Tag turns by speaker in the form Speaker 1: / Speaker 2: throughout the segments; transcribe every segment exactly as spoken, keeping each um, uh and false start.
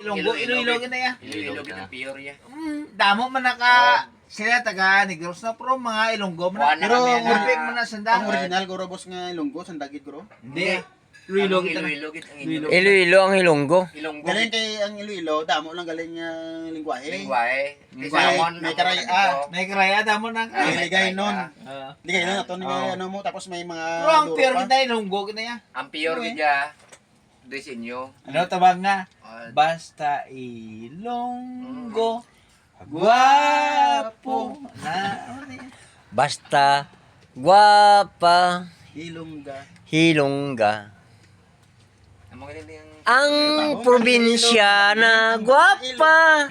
Speaker 1: Ilonggo, Iloilo na ya.
Speaker 2: Iloilo ng pure ya.
Speaker 1: Mm, damo man naka sila taga Negros na pero mga Ilonggo man.
Speaker 2: Kuha na
Speaker 3: Pero
Speaker 2: kami
Speaker 3: ang
Speaker 2: na-
Speaker 1: Perfect man na sanda.
Speaker 3: Ang original guro boss nga Ilonggo sandagit guro.
Speaker 1: Hindi. Iloilo
Speaker 2: Ang
Speaker 1: kita na.
Speaker 2: Iloilo git ang
Speaker 1: Iloilo.
Speaker 2: Iloilo.
Speaker 4: Iloilo ang Hilonggo.
Speaker 2: Ilonggo
Speaker 3: Galing
Speaker 2: git
Speaker 3: kay ang Iloilo, damo lang galing nga lingwahe.
Speaker 2: lingwahe.
Speaker 1: May-
Speaker 2: Salmon,
Speaker 3: may
Speaker 2: ang
Speaker 3: karay-
Speaker 2: mga
Speaker 3: ah,
Speaker 2: dito.
Speaker 1: May karaya damo nang.
Speaker 2: Ah,
Speaker 3: May ligay nun.
Speaker 1: Ah.
Speaker 3: Hindi kayo na ito,
Speaker 1: Oo.
Speaker 3: ano mo, tapos may mga
Speaker 1: Pero ang
Speaker 3: duro
Speaker 1: pure
Speaker 3: pa.
Speaker 1: kita Ilonggo kita ya.
Speaker 2: Ang pure git ya. Disenyo.
Speaker 1: Ano tabang nga?
Speaker 2: Ah,
Speaker 1: Basta Ilonggo. Guwapo na. Ano na yan?
Speaker 4: Basta guwapa
Speaker 3: Ilongga.
Speaker 4: hilongga.
Speaker 2: ang mga nila yung
Speaker 4: Ang probinsya na guwapa.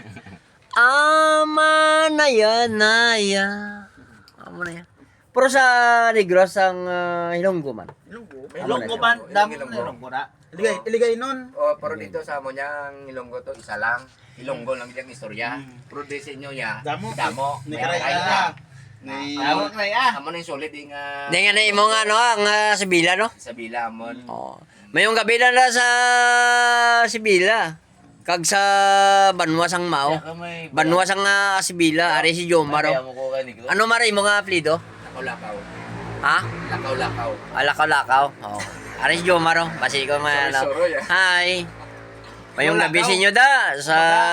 Speaker 4: Ama na yan, na yan. Ama na yan. Pero sa Negros ang uh, Hilonggo man.
Speaker 3: Ilonggo.
Speaker 1: Ilonggo man, damo na Ilonggo na.
Speaker 3: Iligay, iligay nun.
Speaker 2: Oh, pero dito sa mo niya ang Ilonggo to isa lang. Ilonggo lang diyang istorya. Pero disenyo ya.
Speaker 3: Damo.
Speaker 2: Damo.
Speaker 3: Ni
Speaker 2: May
Speaker 3: karay
Speaker 2: karay
Speaker 3: ah.
Speaker 2: na.
Speaker 3: Ni
Speaker 1: Damo karaya.
Speaker 2: Amo na yung solid yung uh,
Speaker 4: Di nga na imo nga no, ang uh, Sibila no?
Speaker 2: sa Bilamon.
Speaker 4: Oh. Mayong gabi na na sa Sibila. Kag sa Banwas ang Mao. Banwas ang uh, Sibila, ari si Jomar. oh. Ano mara imo nga apelyido?
Speaker 2: Lakaw-lakaw.
Speaker 4: Ha?
Speaker 2: Lakaw-lakaw.
Speaker 4: Alakaw-lakaw. Oh. Ari si Jomar. oh. Basi ko nga ano.
Speaker 2: Sorry, sorry, ah.
Speaker 4: Hi. Mayong gabi sa inyo da sa